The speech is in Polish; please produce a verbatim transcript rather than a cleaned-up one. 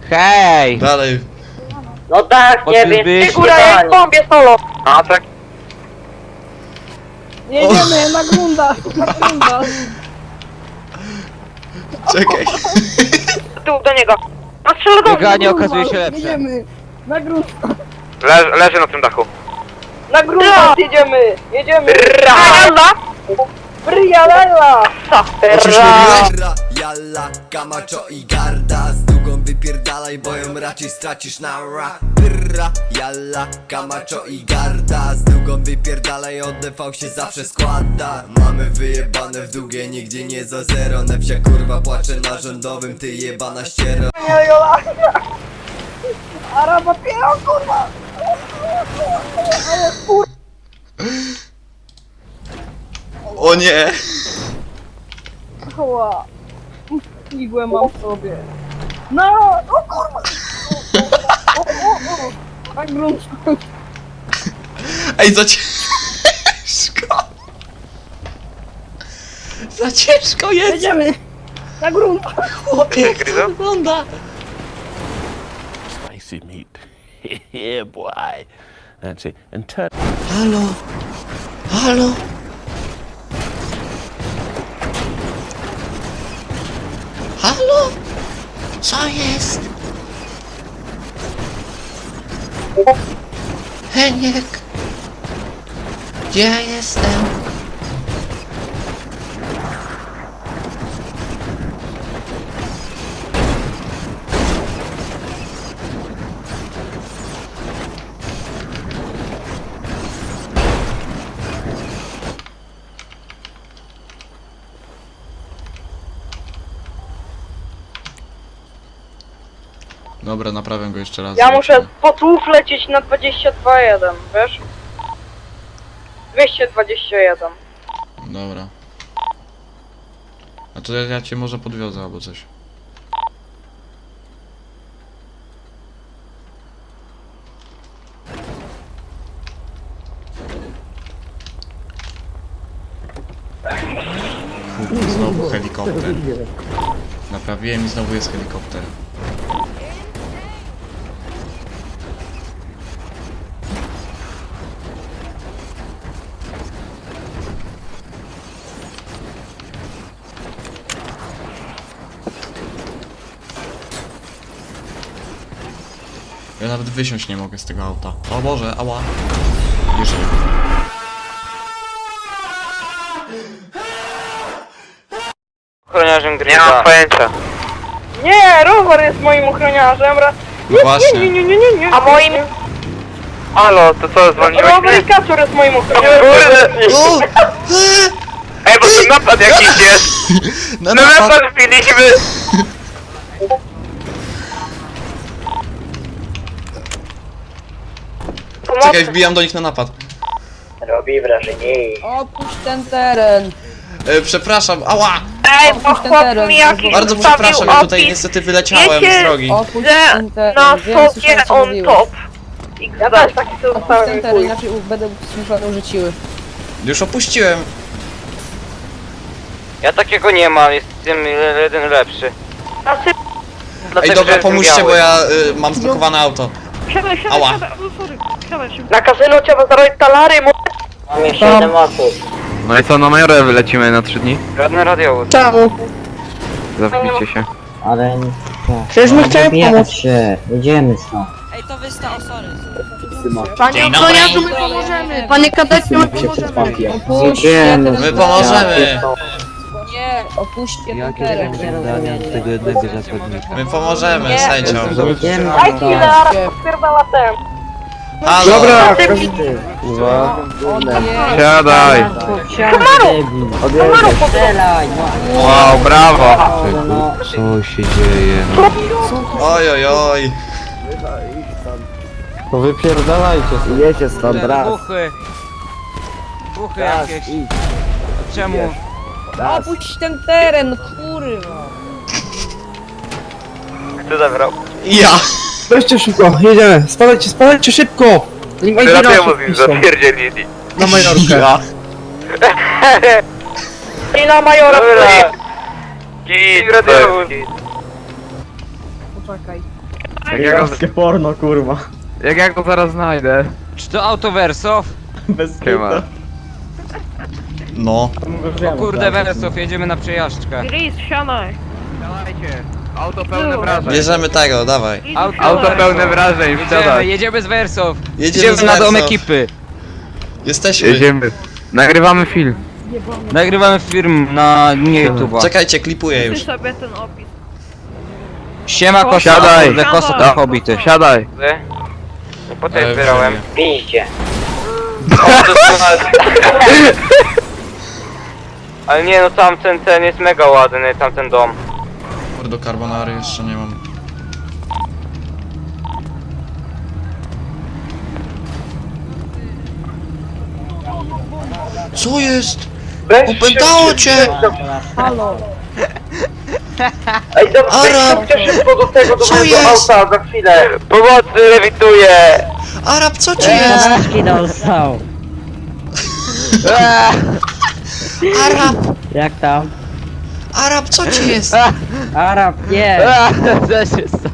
Hej! Dalej. No tak, nie wiem. Ty Góra jest w bombie solo. A tak. Jedziemy na grunda, na grunda. Czekaj. Tył do niego. No strzelę do mnie. Bieganie okazuje się lepsze. Jedziemy na grunda. Le leży na tym dachu. Na grunda jedziemy, jedziemy. Rala. Brialella. O czymś mówiłeś? Ra, jalla, Camacho i Garda z długą wypierdalaj, bo ją raczej stracisz na ra. Ra, jalla, Camacho i Garda z długą wypierdalaj, od D V się zawsze składa. Mamy wyjebane w długie, nigdzie nie za zero. Nefcia kurwa płacze na rządowym, ty jebana ściero. Jola. Araba piero, kurwa. Ale kurwa. O nie. Ała. Igłę mam w sobie. No, o kurwa. O, o, o. Na grunt. Ej, za ciężko. Za ciężko jest. Jedziemy. Na grunt. Chłopie, jak to wygląda. Spicy meat. Yeah, boy. That's it. And turn. Halo. Halo. Halo? Co jest? Heniek. Gdzie ja jestem? Dobra, naprawię go jeszcze raz. Ja muszę po tłów lecieć na dwadzieścia dwa jeden, wiesz? dwieście dwadzieścia jeden. Dobra. A to ja, ja cię może podwiozę albo coś. Fu, znowu helikopter. Naprawiłem i znowu jest helikopter. Ja nawet wysiąść nie mogę z tego auta. O Boże, ała. Jeżeli. Ochroniarzem gry. Nie mam pojęcia. Nie, rower jest moim ochroniarzem. Ra... No właśnie. Nie, nie, nie, nie, nie. A moim... Halo, to co, zwolniłeś Rower mnie? i kaczor jest moim ochroniarzem. Kurde! O! Ej, bo tu napad jakiś jest! Na No napad! napad wbiliśmy! Czekaj, wbijam do nich na napad. Robi wrażenie. Opuść ten teren. E, przepraszam, ała! Ej, bo Opuść ten chłop teren. mi jakiś Bardzo wstawił przepraszam, ja tutaj opis, niestety wyleciałem Wiecie, z drogi. Opuść że ten teren. na Wiem, sobie słyszałem, co on mówiłeś. top. Ja też taki co Opuść dostałem ten i teren, chuj. inaczej będę słyszał rzuciły. Już opuściłem. Ja takiego nie mam, jestem jeden lepszy. Znaczy, Ej, Dlatego, dobra, że pomóżcie, jestem bo biały. ja y, mam zblokowane auto. siadaj, siadaj, Ała. siadaj, o, sorry, siadaj się. Na kasyno trzeba zarobić talary, mu... Mam jeszcze siedem osób. No i co, na Majorę wylecimy na trzy dni? Żadne radiowóz. Czemu? Zawbicie się. Ale nie. Przecież my chciałem pomóc. się, jedziemy stąd. Ej, to wysta, o sorry. Panie ochroniarzu, my pomożemy. Panie kadecie, my pomożemy. Opuśćcie Jedziemy. ten My pomożemy. Nie, opuśćcie ten teren. tego jednego zakładnika. My pomożemy, Nie. sędziom. Jedziemy Daj chwilę, zaraz spierdala ten. Halo! Dobra! O nie. Siadaj! Odjeżdżaj, strzelaj, no. Wow, brawo! No. Co się dzieje? No. Oj, oj, oj. To wypierdalajcie. Jecie stąd, raz. Buchy! Buchy Raz, jakieś. idź. Czemu? Opuść ten teren, kurwa. Kto zabrał? Ja! Weźcie szybko, jedziemy, spadajcie, spadajcie szybko! Nim Ty radiowóz radiowóz już piszą zapierdzielili. na Majorkę. Ja! I na Majora Dobra. stoi. Git, radiowóz. Poczekaj. Jak ja go, porno, kurwa. jak ja go zaraz znajdę. Czy to auto Wersow? Bez Siema. No. O kurde Wersow, jedziemy na przejażdżkę. Gris, wsiadaj. Dawajcie. Auto pełne wrażeń. Bierzemy tego, dawaj. Auto, Auto pełne wrażeń, Jedziemy, wsiadaj. jedziemy z Wersow. Jedziemy Jedziemy z na dom Wersow. ekipy. Jesteśmy. Jedziemy. Nagrywamy film. Nagrywamy film na nie YouTube'a. Czekajcie, klipuję Ty już. sobie ten opis. Siema kosa, Siadaj. kurde, kosa to hobity. Wsiadaj. Ty? No po tej Ale zbierałem. Piździe. O, doskonale. Ale nie no, tamten ten jest mega ładny, tamten dom. Kurde, carbonary jeszcze nie mam. Co jest? Opętało cię! Halo. Ej, dobra, Arab! wejdźcie szybko do tego, do Co mojego jest? auta, za chwilę. Pomocy, lewituję! Arab, co ci jest? Paczki dostał. Arab! Jak tam? Arab, co ci jest? Arab, nie. Co się